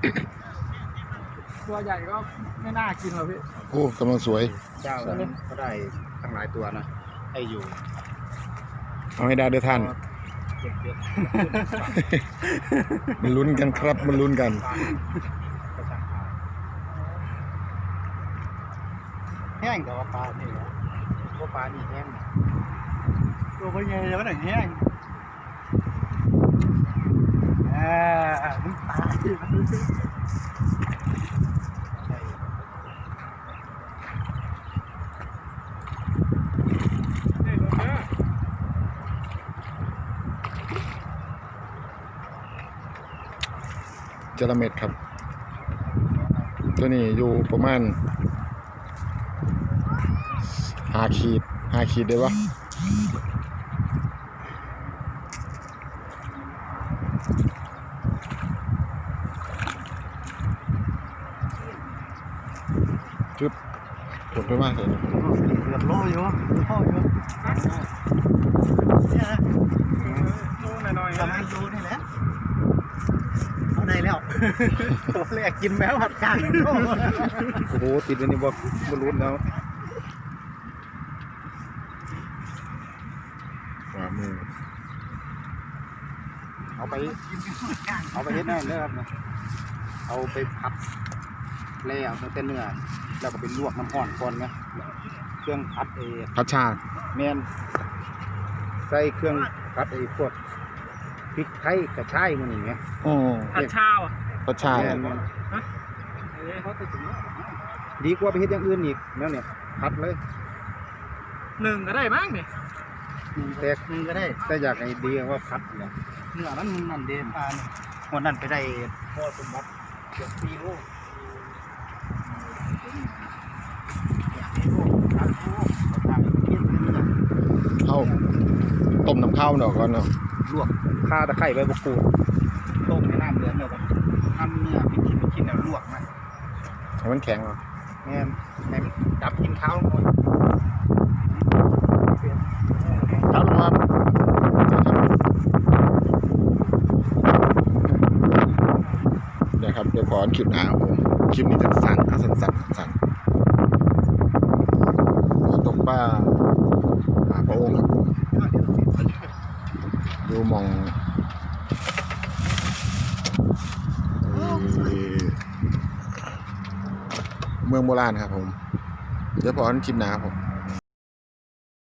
ตัวใหญ่ก็ไม่น่ากินหรอกพี่โอ้กำลังสวยเจ้านั้นก็ได้ทั้งหลายตัวนะให้อยู่เอาให้ได้ด้วยท่านมันลุ้นกันครับมันลุ้นกันแห้งแต่ว่าปลานี่นะพวกปลานี่แห้งตัวเป็นไงแล้วหนังแห้งมึงตายจระเม็ดครับตัวนี้อยู่ประมาณ5 ขีดได้ปะจุดกดไปมากเลยเกือบโลอยู่โลอยู่เนี่ยนะโลหน่อยๆประมาณโลนี่แหละเอาได้แล้วตัวแรกกินแมวผัดกางโอ้โหติดอันนี้บอกบอลลูนแล้วขวามือเอาไปเฮ็ดนั่นเลยครับนะเอาไปพับแล้วตั้งแต่เนื้อแล้วก็ไปลวกน้ำร้อนก่อนนะเครื่องพัดพัชชาแมนใส่เครื่องพัดพวกพริกไทยกระชายมันอย่างเงี้ยผัดชาอ่ะพัชชาดีกว่าไปเฮ็ดอย่างอื่นอีกแล้วเนี่ยพัดเลย 1ก็ได้มั้งเนี่ยแต่1ก็ได้แต่อยากให้ดีว่าพัดเนี่ยเนื้อมันนั่นเด่นวันนั้นไปได้พ่อสมบัติเกือบ4 โลเข้าต้มน้ำข้าวหน่อยก่อนเนาะลวกข่าตะไคร้ใบมะกรูดต้มในน้ำเดือดเนี่ยแบบทำเนื้อเป็นชิ้นแล้วลวกมันให้มันแข็งเหรอแม่ให้มันจับกินข้าวลงมาครับลงมาเดี๋ยวครับเดี๋ยวขอคลิปหน้าผมคลิปนี้สั้นๆสั้นตกปลาพระองค์ครับดูมองเมืองโบราณครับผมเดี๋ยวพอคลิปหน้าผม